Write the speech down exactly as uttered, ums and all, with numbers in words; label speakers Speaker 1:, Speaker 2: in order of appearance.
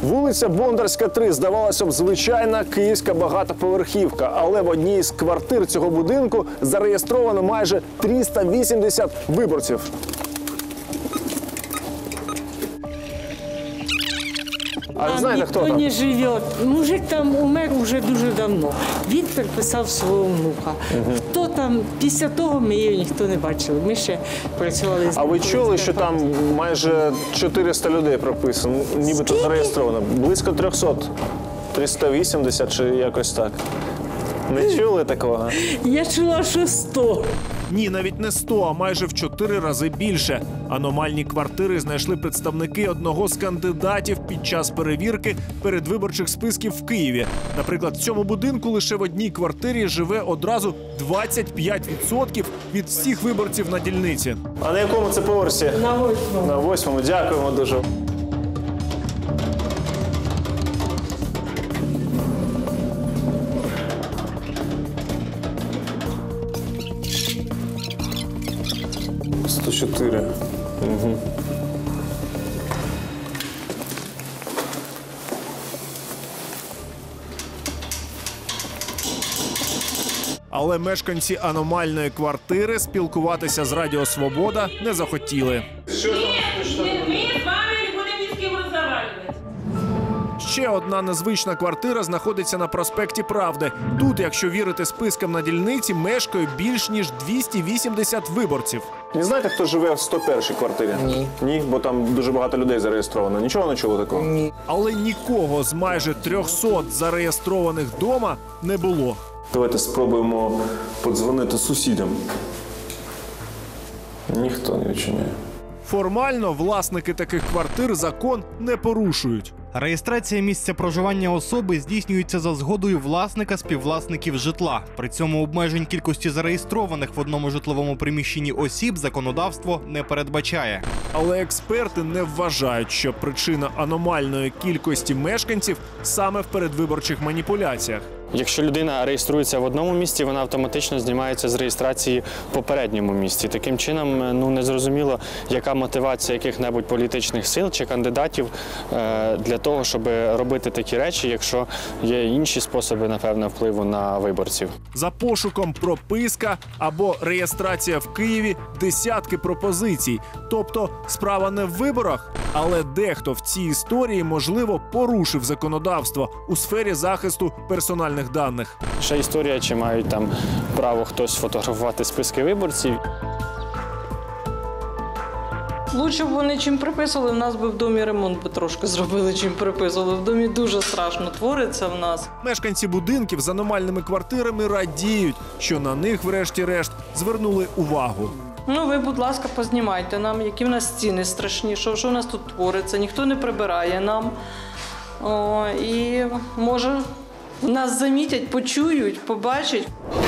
Speaker 1: Вулиця Бондарська, три, здавалося б, звичайна київська багатоповерхівка, але в одній з квартир цього будинку зареєстровано майже триста вісімдесят виборців. А ви знаєте, хто там?
Speaker 2: Ніхто не живе. Мужик там умер вже дуже давно. Він переписав свого внука. Угу. Хто там, після того ми її ніхто не бачили. Ми ще працювали з...
Speaker 1: А ви чули, що там майже чотириста людей прописано, нібито зареєстровано? Близько трьохсот. триста вісімдесят чи якось так. Не чули такого?
Speaker 2: Я чула, що сто.
Speaker 3: Ні, навіть не сто, а майже в чотири рази більше. Аномальні квартири знайшли представники одного з кандидатів під час перевірки передвиборчих списків в Києві. Наприклад, в цьому будинку лише в одній квартирі живе одразу двадцять п'ять відсотків від всіх виборців на дільниці.
Speaker 1: А на якому це поверсі?
Speaker 2: На восьмому.
Speaker 1: На восьмому. Дякуємо дуже. сто чотири. Угу.
Speaker 3: Але мешканці аномальної квартири спілкуватися з Радіо Свобода не захотіли. Ще одна незвична квартира знаходиться на проспекті Правди. Тут, якщо вірити спискам на дільниці, мешкає більш ніж двісті вісімдесят виборців.
Speaker 1: Не знаєте, хто живе в сто першій квартирі?
Speaker 4: Ні.
Speaker 1: Ні, бо там дуже багато людей зареєстровано. Нічого не чули такого?
Speaker 4: Ні.
Speaker 3: Але нікого з майже трьохсот зареєстрованих дома не було.
Speaker 1: Давайте спробуємо подзвонити сусідам. Ніхто не відчиняє.
Speaker 3: Формально власники таких квартир закон не порушують.
Speaker 5: Реєстрація місця проживання особи здійснюється за згодою власника співвласників житла. При цьому обмежень кількості зареєстрованих в одному житловому приміщенні осіб законодавство не передбачає.
Speaker 3: Але експерти не вважають, що причина аномальної кількості мешканців саме в передвиборчих маніпуляціях.
Speaker 6: Якщо людина реєструється в одному місці, вона автоматично знімається з реєстрації в попередньому місці. Таким чином, ну, незрозуміло, яка мотивація яких-небудь політичних сил чи кандидатів е, для того, щоб робити такі речі, якщо є інші способи, напевно, впливу на виборців.
Speaker 3: За пошуком прописка або реєстрація в Києві десятки пропозицій. Тобто справа не в виборах, але дехто в цій історії, можливо, порушив законодавство у сфері захисту персональних даних.
Speaker 6: Ще історія, чи мають там право хтось фотографувати списки виборців.
Speaker 7: Лучше б вони чим приписували, в нас би в домі ремонт би трошки зробили, чим приписували. В домі дуже страшно твориться в нас.
Speaker 3: Мешканці будинків з аномальними квартирами радіють, що на них, врешті-решт, звернули увагу.
Speaker 7: Ну, ви, будь ласка, познімайте нам, які в нас стіни страшні, що, що в нас тут твориться, ніхто не прибирає нам. О, і, може, нас замітять, почують, побачать.